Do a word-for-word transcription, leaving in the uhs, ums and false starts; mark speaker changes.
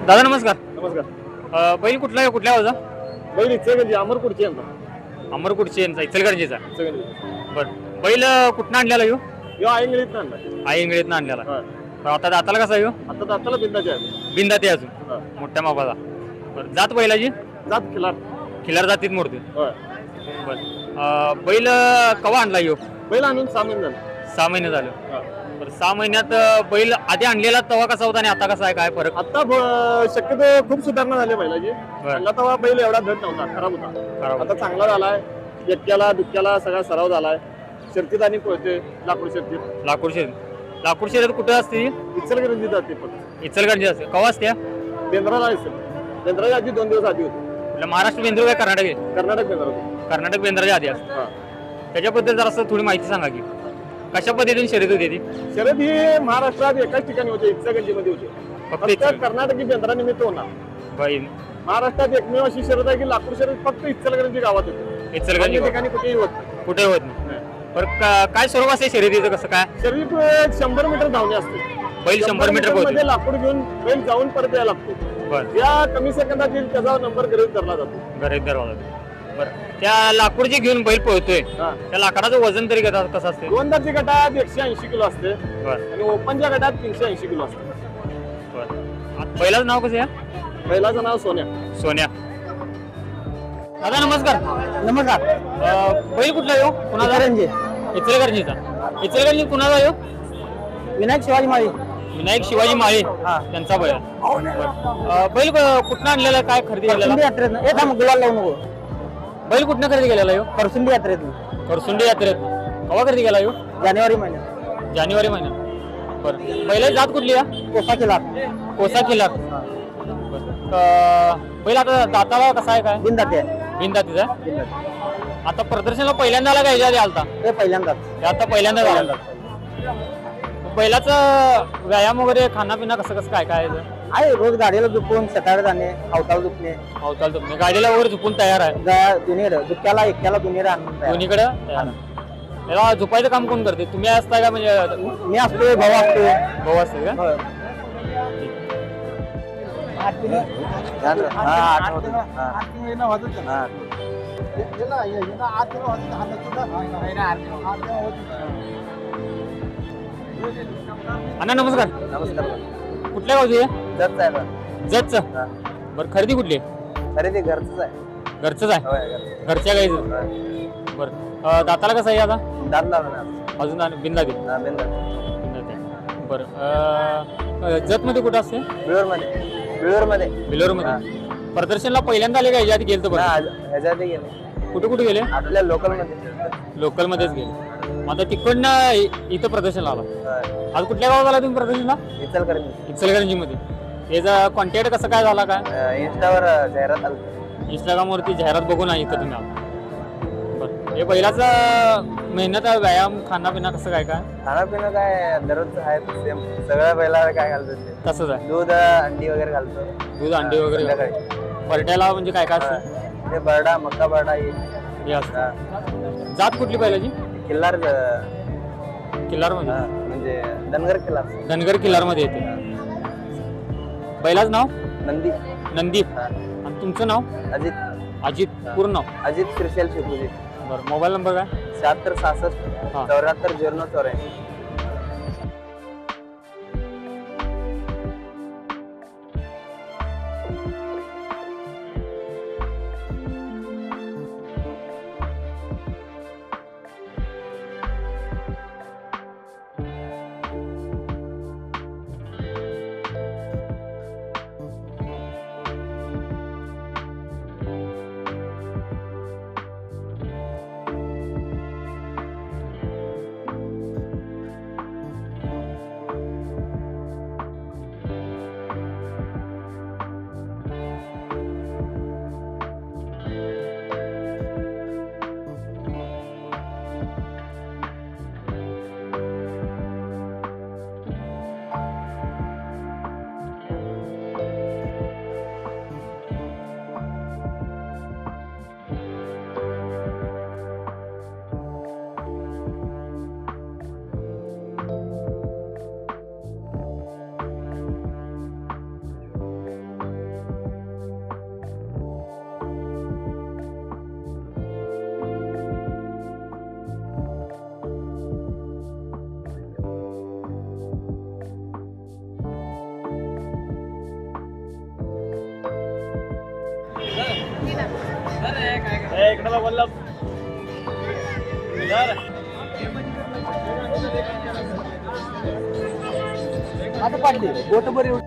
Speaker 1: दादा नमस्कार.
Speaker 2: नमस्कार.
Speaker 1: अ, बैल कुठला आहे कुठल्या गावचा?
Speaker 2: बैल इचलकरंजी अमरपूरची यांचा
Speaker 1: अमरकुडची यांचा इचलकरंजीचा.
Speaker 2: इचलकरंजी
Speaker 1: बरं बैल अ, कुठनं आणलेला ह्यो?
Speaker 2: यो आयंगळीत आणलाय.
Speaker 1: आई इंगळीतनं आणलेला.
Speaker 2: हा.
Speaker 1: तर आता दाताला कसा ह्यो?
Speaker 2: आता दाताला बिंदाचे आहे.
Speaker 1: बिंदा ते अजून
Speaker 2: हा.
Speaker 1: मोठ्या मापाचा. बरं जात बैलाची
Speaker 2: जात खिलार.
Speaker 1: खिलार जातीत मोडते.
Speaker 2: होय.
Speaker 1: बरं अ, बैल अ, कवा आणला ह्यो?
Speaker 2: बैल आणून सहा महिने झाले.
Speaker 1: सहा महिने झाले.
Speaker 2: हा.
Speaker 1: बरं सहा महिन्यात अ, बैल आधी आणलेला तेव्हा कसा होता आणि आता कसा आहे, काय फरक?
Speaker 2: आता ब- शक्यतो खूप सुधारणा झाली बैलाची.
Speaker 1: बरं.
Speaker 2: पहिला तेव्हा बैल एवढा धड नव्हता, खराब होता.
Speaker 1: खराब
Speaker 2: आता चांगला झालाय. एक्क्याला दुक्क्याला सगळा सराव झालाय. शर्तीत आणि पळते लाकूड शर्तीत.
Speaker 1: लाकूड शेत लाकूड शेत कुठं असते?
Speaker 2: इचलकरंजी जाते फक्त.
Speaker 1: इचलकरंजी असते. कवा असते?
Speaker 2: बेंद्राला असेल. बेंद्राच्या आधी दोन दिवस आधी होते.
Speaker 1: आपल्या महाराष्ट्र बेंद्र काय कर्नाटक आहे?
Speaker 2: कर्नाटक बेंद्रा होते.
Speaker 1: कर्नाटक बेंद्राच्या आधी असते.
Speaker 2: हा.
Speaker 1: त्याच्याबद्दल जरा असं थोडी माहिती सांगा की कशा पद्धतीने शर्यत होती ती?
Speaker 2: शर्यत ही महाराष्ट्रात एकाच ठिकाणी होते, इचलकरंजी मध्ये होते.
Speaker 1: फक्त
Speaker 2: फक्त
Speaker 1: इचल-
Speaker 2: कर्नाटकी बेंद्रा निमित्त होणार.
Speaker 1: बैल
Speaker 2: महाराष्ट्रात एकमेव अशी शर्यत आहे की लाकूड शर्यत फक्त इचलकरंजी गावात होते.
Speaker 1: इचलकरंजी
Speaker 2: अन्य ठिकाणी कुठेही होत नाही.
Speaker 1: कुठे होत नाही. बरं का- काय स्वरूप असते शर्यतीचं, कसं काय?
Speaker 2: शर्यत एक शंभर मीटर धावणे असते.
Speaker 1: बैल शंभर मीटर
Speaker 2: मध्ये
Speaker 1: पोहोचतो.
Speaker 2: लाकूड घेऊन बैल जाऊन परत यायला लागतो.
Speaker 1: बरं
Speaker 2: या कमी सेकंदात येईल त्याचा नंबर गृहीत धरला जातो.
Speaker 1: घरात दरवाजा. बरं त्या लाकूड जे घेऊन बैल पळतोय
Speaker 2: हा.
Speaker 1: त्या लाकडाचं वजन तरी कसं कसं असते?
Speaker 2: गोलंदाजी गटात एकशे ऐंशी किलो असते
Speaker 1: बरं
Speaker 2: आणि ओपनच्या गटात तीनशे ऐंशी किलो असते.
Speaker 1: बरं आता बैलाचं नाव कसं आहे?
Speaker 2: बैलाचं नाव सोन्या.
Speaker 1: सोन्या. दादा नमस्कार.
Speaker 3: नमस्कार.
Speaker 1: अ, बैल कुठला येऊ कुणाचा?
Speaker 3: इचलकरंजी.
Speaker 1: इचलकरंजीचा. इचलकरंजी कुणाचा येऊ?
Speaker 3: विनायक शिवाजी माळी.
Speaker 1: विनायक शिवाजी माळे
Speaker 3: हा.
Speaker 1: त्यांचा बैल. अ, बैल क- कुठनं आणलेला, काय खरेदी
Speaker 3: करसुंडी
Speaker 1: केलेला?
Speaker 3: यात्रेत ए थांब गुलाल लावू नको.
Speaker 1: बैल कुठनं खरेदी केलेला येऊ?
Speaker 3: करसुंडी यात्रेत
Speaker 1: करसुंडी यात्रेत. कवा खरेदी केला येऊ?
Speaker 3: जानेवारी महिन्यात
Speaker 1: जानेवारी महिन्यात. बरं बैलाची जात कुठली आहे?
Speaker 3: कोसा केला.
Speaker 1: कोसा किल्ला. बैल आता दाताला कसा आहे, काय
Speaker 3: बिंदा ते
Speaker 1: बिन तिचा? आता प्रदर्शनाला पहिल्यांदा आला का ह्याच्या आधी आलता?
Speaker 3: ते पहिल्यांदाच.
Speaker 1: हे आता पहिल्यांदा झाला. बैलाचं व्यायाम वगैरे खानापिना कसं कसं काय काय आहे?
Speaker 3: आहे रोज गाडीला झुपून शेताकडे जाणे, अवताळ झुपणे,
Speaker 1: अवताल तुम्ही गाडीला वगैरे झुपून तयार आहे
Speaker 3: दोन्हीकडे दुःख्याला एक्क्याला दोन्हीकडे आणून तयार.
Speaker 1: दोन्हीकडे तयार आहे. याला झोपायचं काम कोण करते? तुम्ही असताय का म्हणजे
Speaker 3: मी असतोय, भाऊ असतोय.
Speaker 1: भाऊ असते का?
Speaker 3: होय.
Speaker 1: हा, आठवतं.
Speaker 3: हा.
Speaker 1: अण्णा नमस्कार.
Speaker 3: नमस्कार.
Speaker 1: कुठल्या गावची आहे?
Speaker 3: जत आहे
Speaker 1: जतचं. बरं खरेदी कुठली आहे?
Speaker 3: अरे ते घरच आहे.
Speaker 1: घरचंच आहे. घरच्या गाईचं. बरं अं, दाताला कसं आहे आता?
Speaker 3: दात लावणार
Speaker 1: अजून बिंदा दे. बरं जत मध्ये कुठं असते?
Speaker 3: बिळूर मध्ये. बिळूर मध्ये.
Speaker 1: बिलोर मध्ये. प्रदर्शनला पहिल्यांदा आले का ह्याच्या आधी गेलं? बरं
Speaker 3: ह्याच्यात गेले
Speaker 1: कुठे कुठे गेले?
Speaker 3: आपल्या लोकल मध्ये.
Speaker 1: लोकल मध्येच गेले. मग आता तिकडनं इ- इथं प्रदर्शनला आला. आज कुठल्या गावात आला तुम्ही प्रदर्शनला?
Speaker 3: इचलकरंजी.
Speaker 1: इचलकरंजी मध्ये. याचा कॉन्टॅक्ट कसं काय झाला, काय
Speaker 3: इंस्टावर जाहिरात आली.
Speaker 1: इंस्टाग्राम वरती जाहिरात बघून आहे इथं तुम्ही आला. बरं हे बैलाचा मेहनत व्यायाम खानापिना कसं काय काय
Speaker 3: खाणं काय दररोज आहे सेम. सगळ्या बैलाला काय घालतो ते
Speaker 1: तसंच आहे?
Speaker 3: दूध अंडी वगैरे घालतो.
Speaker 1: दूध अंडे वगैरे
Speaker 3: संध्याकाळी.
Speaker 1: बरट्याला म्हणजे काय काय असतं?
Speaker 3: ते बरडा मक्का बरडा हे
Speaker 1: हे असतं. जात कुठली बैलाची?
Speaker 3: किल्लार
Speaker 1: किल्लार मध्ये.
Speaker 3: म्हणजे धनगर किल्लार.
Speaker 1: धनगर किल्लार मध्ये येते. बैलाचं नाव?
Speaker 3: नंदी.
Speaker 1: नंदी. आणि तुमचं नाव?
Speaker 3: अजित.
Speaker 1: अजित. पूर्ण नाव?
Speaker 3: अजित श्रीशैल शिपूजी.
Speaker 1: बरं मोबाईल नंबर काय?
Speaker 3: शहात्तर सहासष्ट
Speaker 1: हा.
Speaker 3: चौऱ्याहत्तर झिरो चौऱ्याऐंशी.
Speaker 2: इकडे बोलला
Speaker 3: आता पाडली बोट बरी